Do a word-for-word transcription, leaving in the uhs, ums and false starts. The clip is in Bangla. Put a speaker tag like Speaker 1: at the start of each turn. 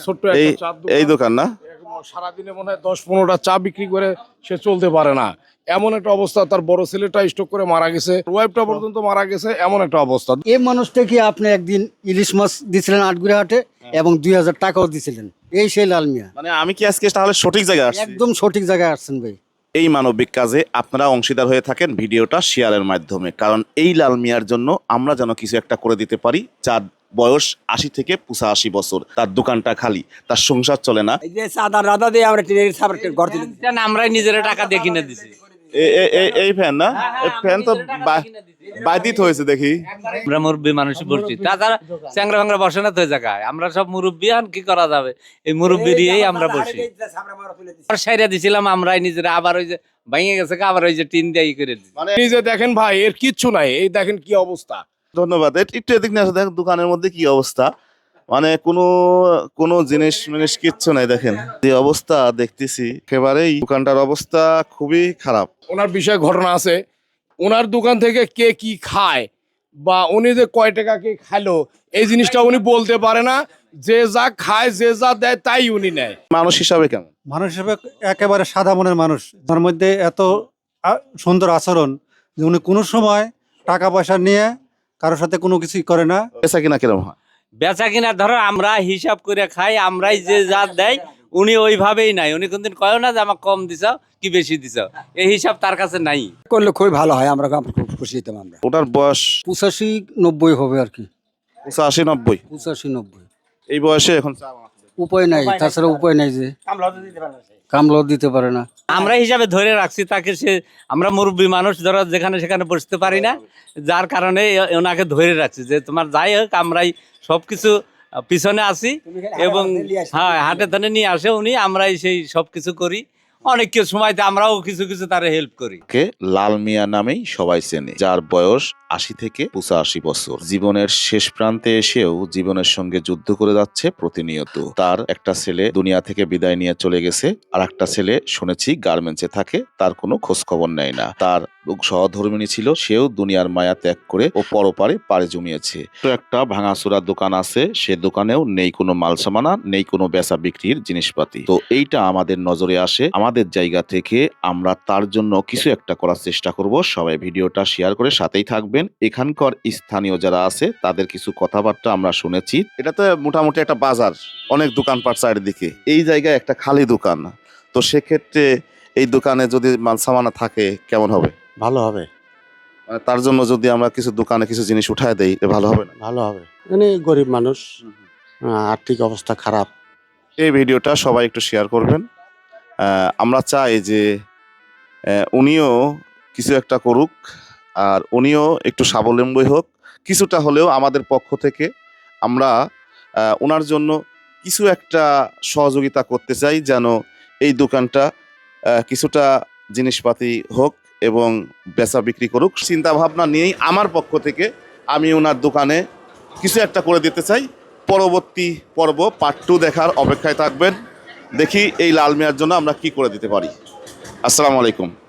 Speaker 1: ছোট্ট একটা চার দোকান,
Speaker 2: এই দোকান না
Speaker 1: সারাদিনে মনে হয় দশ পনেরোটা চা বিক্রি করে সে চলতে পারে না, এমন একটা অবস্থা। তার বড় ছেলেটা স্ট্রোক করে মারা গেছে, ওয়াইফটা পর্যন্ত মারা গেছে, এমন একটা অবস্থা।
Speaker 3: এই মানুষটাকে আপনি একদিন ইলিশ মাছ দিছিলেন আটগুড়ি হাটে এবং দুই হাজার টাকাও দিছিলেন, এই সেই লাল মিয়া।
Speaker 2: মানে আমি কি আজকে তাহলে সঠিক জায়গায় আসছি?
Speaker 3: একদম সঠিক জায়গায় আসছেন ভাই।
Speaker 2: এই মানবিক কাজে আপনারা অংশীদার হয়ে থাকেন ভিডিওটা শেয়ারের মাধ্যমে, কারণ এই লাল মিয়ার জন্য আমরা যেন কিছু একটা করে দিতে পারি। যার বয়স আশি থেকে পঁচাশি বছর, তার দোকানটা খালি, তার সংসার চলে না।
Speaker 4: এই যে সাদা রাদা দিয়ে আমরা টিনের ছাপড় ঘর দিলাম,
Speaker 5: আমরাই নিজেরা টাকা দিয়ে কিনে দিছি।
Speaker 2: এ- এ- এ- এই ফ্যান না, এই ফ্যান তো বাইদিত হয়েছে দেখি।
Speaker 5: আমরা মুরব্বী মানুষ বলছি, তাছাড়া চ্যাংরা ভাঙরা বসে না তো ওই জায়গায়। আমরা সব মুরব্বী, আর কি করা যাবে, এই মুরব্বী দিয়েই আমরা বসি। সাইরা দিছিলাম আমরাই নিজেরা, আবার ওই যে ভেঙে গেছে, আবার ওই যে টিন দিয়ে ই করে দিছি।
Speaker 2: মানে
Speaker 1: এই যে দেখেন ভাই, এর কিচ্ছু নাই, এই দেখেন কি অবস্থা।
Speaker 2: ধন্যবাদ। এ- একটু এদিক নিয়ে আসো, দেখেন দোকানের মধ্যে কি অবস্থা। মানে কোনো কোনো জিনিস মিনিস কিচ্ছু নাই, দেখেন যে অবস্থা দেখতেছি, একেবারেই দোকানটার অবস্থা খুবই খারাপ।
Speaker 1: ওনার বিষয়ে ঘটনা আছে, ওনার দোকান থেকে কে কি খায় বা উনি যে কয় টাকা কে খাইলো, এই জিনিসটা উনি বলতে পারে না। যে যা খায়, যে যা দেয়, তাই উনি নেয়।
Speaker 2: মানুষ হিসাবে কেমন?
Speaker 6: মানুষ হিসেবে একেবারে সাদা মনের মানুষ, তার মধ্যে এত আ- সুন্দর আচরণ যে উনি কোনো সময় টাকা পয়সা নিয়ে কারোর সাথে কোনো কিছুই করে না।
Speaker 2: পেশা কিনা কিরম হয়?
Speaker 5: বেচা কিনা ধরো আমরা হিসাব করে খাই, আমরাই যে যা দেয় উনি ওইভাবেই নাই। উনি কোনদিন কয় না যে আমার কম দিছ কি বেশি দিছ, এই হিসাব তার কাছে নাই।
Speaker 4: করলে খুবই ভালো হয়, আমরা খুব খুশি হতাম। আমরা
Speaker 2: ওটার বয়স
Speaker 3: পঁচাশি নব্বই হবে আর কি,
Speaker 2: পঁচাশি নব্বই।
Speaker 3: পঁচাশি নব্বই।
Speaker 2: এই বয়সে এখন চা বানাচ্ছে।
Speaker 3: উপায় নাই, তাছাড়া উপায় নাই, যে কামলাও দিতে পারে না।
Speaker 5: আমরা হিসাবে ধরে রাখছি তাকে। সে আমরা মুরব্বী মানুষ, ধরো যেখানে সেখানে বসতে পারি না, যার কারণে এ- ওনাকে ধরে রাখছি যে তোমার যাই হোক আমরাই সবকিছু পিছনে আছি। এবং হ্যাঁ, হাটে ধানে নিয়ে আসে উনি, আমরাই সেই সবকিছু করি। অনেক কিছু সময়তে আমরাও কিছু কিছু তারা হেল্প করি।
Speaker 2: কে লাল মিয়া নামেই সবাই চেনে, যার বয়স আশি থেকে পঁচাশি বছর। জীবনের শেষ প্রান্তে এসেও জীবনের সঙ্গে যুদ্ধ করে যাচ্ছে প্রতিনিয়ত। তার একটা ছেলে দুনিয়া থেকে বিদায় নিয়ে চলে গেছে, আর একটা ছেলে শুনেছি গার্মেন্টসে থাকে, তার কোনো খোঁজ খবর নেয় না। তার সহধর্মিণী ছিল, সেও দুনিয়ার মায়া ত্যাগ করে ও পরপারে পাড়ে জমিয়েছে। তো একটা ভাঙাচোরা দোকান আছে, সে দোকানেও নেই কোনো মাল সামানা, নেই কোনো বেচা বিক্রির জিনিসপাতি। তো এইটা আমাদের নজরে আসে, আমাদের জায়গা থেকে আমরা তার জন্য কিছু একটা করার চেষ্টা করব। সবাই ভিডিওটা শেয়ার করে সাথেই থাকবেন। এখানকার স্থানীয় যারা আছে তাদের কিছু কথাবার্তা আমরা শুনেছি। এটা তো মোটামুটি একটা বাজার, অনেক দোকানপাট চারিদিকে, এই জায়গায় একটা খালি দোকান। তো সেক্ষেত্রে এই দোকানে যদি মাল সামানা থাকে কেমন হবে?
Speaker 7: ভালো হবে,
Speaker 2: মানে তার জন্য যদি আমরা কিছু দোকানে কিছু জিনিস উঠায় দেই, এ ভালো হবে না?
Speaker 7: ভালো হবে। মানে গরিব মানুষ, আহ, আর্থিক অবস্থা খারাপ।
Speaker 2: এই ভিডিওটা সবাই একটু শেয়ার করবেন। আহ, আমরা চাই যে আহ, উনিও কিছু একটা করুক, আর উনিও একটু স্বাবলম্বী হোক। কিছুটা হলেও আমাদের পক্ষ থেকে আমরা আহ, ওনার জন্য কিছু একটা সহযোগিতা করতে চাই, যেন এই দোকানটা আহ, কিছুটা জিনিসপাতি হোক এবং বেচা বিক্রি করুক। চিন্তা ভাবনা নিয়েই আমার পক্ষ থেকে আমি ওনার দোকানে কিছু একটা করে দিতে চাই। পরবর্তী পর্ব পার্ট টু দেখার অপেক্ষায় থাকবেন। দেখি এই লাল মিয়ার জন্য আমরা কি করে দিতে পারি। আসসালামু আলাইকুম।